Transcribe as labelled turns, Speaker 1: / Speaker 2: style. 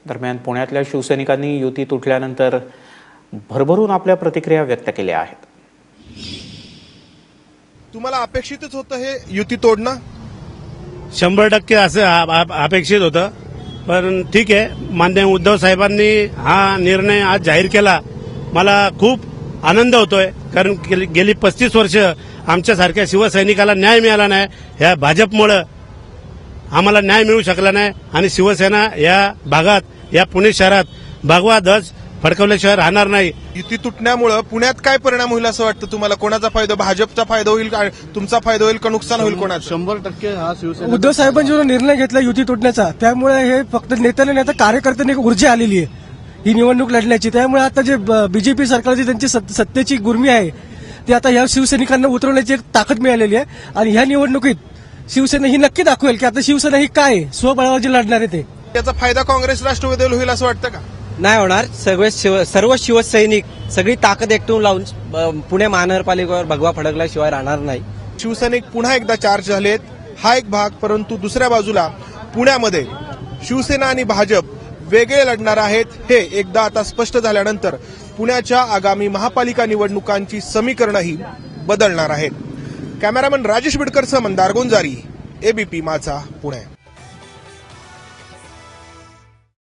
Speaker 1: दरम्यान पुण्यातल्या शिवसैनिकांनी युती तुटल्यानंतर भरभरून आपल्या प्रतिक्रिया व्यक्त केल्या आहेत.
Speaker 2: तुम्हाला अपेक्षितच होतं हे युती तोडणं?
Speaker 3: 100% असं अपेक्षित होतं, पण ठीक आहे, माननीय उद्धव साहेबांनी हा निर्णय आज जाहीर केला. मला खूप आनंद होतोय, कारण गेली 35 वर्ष आमच्यासारख्या शिवसैनिकाला न्याय मिळाला नाही. ह्या भाजपमुळे आम्हाला न्याय मिळू शकला नाही आणि शिवसेना या भागात, या पुणे शहरात भगवा ध्वज फडकवल्याशिवाय राहणार नाही.
Speaker 2: युती तुटण्यामुळे पुण्यात काय परिणाम होईल असं वाटतं तुम्हाला? कोणाचा फायदा? भाजपचा फायदा होईल का तुमचा फायदा होईल का नुकसान होईल कोणाचं?
Speaker 3: 100% हा शिवसेना
Speaker 4: उद्धव साहेबांनी जो निर्णय घेतला युती तुटण्याचा, त्यामुळे हे फक्त नेत्याला नाही तर कार्यकर्त्यांनी एक ऊर्जा आलेली आहे ही निवडणूक लढण्याची. त्यामुळे आता जे बीजेपी सरकारची त्यांची सत्तेची गुर्मी आहे ती आता या शिवसैनिकांना उतरवण्याची एक ताकद मिळालेली आहे. आणि ह्या निवडणुकीत शिवसेना ही नक्की दाखवेल की आता शिवसेना ही काय आहे, स्वबळावर जे लढणार आहे ते.
Speaker 2: त्याचा फायदा काँग्रेस राष्ट्रवादीला होईल असं वाटतं का?
Speaker 5: नाही होणार. सर्व शिवसैनिक सगळी ताकद एकटून लावून पुणे महानगरपालिकेवर भगवा फडकल्याशिवाय राहणार नाही.
Speaker 2: शिवसैनिक पुन्हा एकदा चार्ज झालेत, हा एक भाग. परंतु दुसऱ्या बाजूला पुण्यामध्ये शिवसेना आणि भाजप वेगळे लढणार आहेत. हे एकदा आता स्पष्ट झाल्यानंतर पुण्याच्या आगामी महापालिका निवडणुकांची समीकरणंही बदलणार आहेत. कॅमेरामन राजेश बिडकरसह मंदार गोंजारी, एबीपी माझा, पुणे.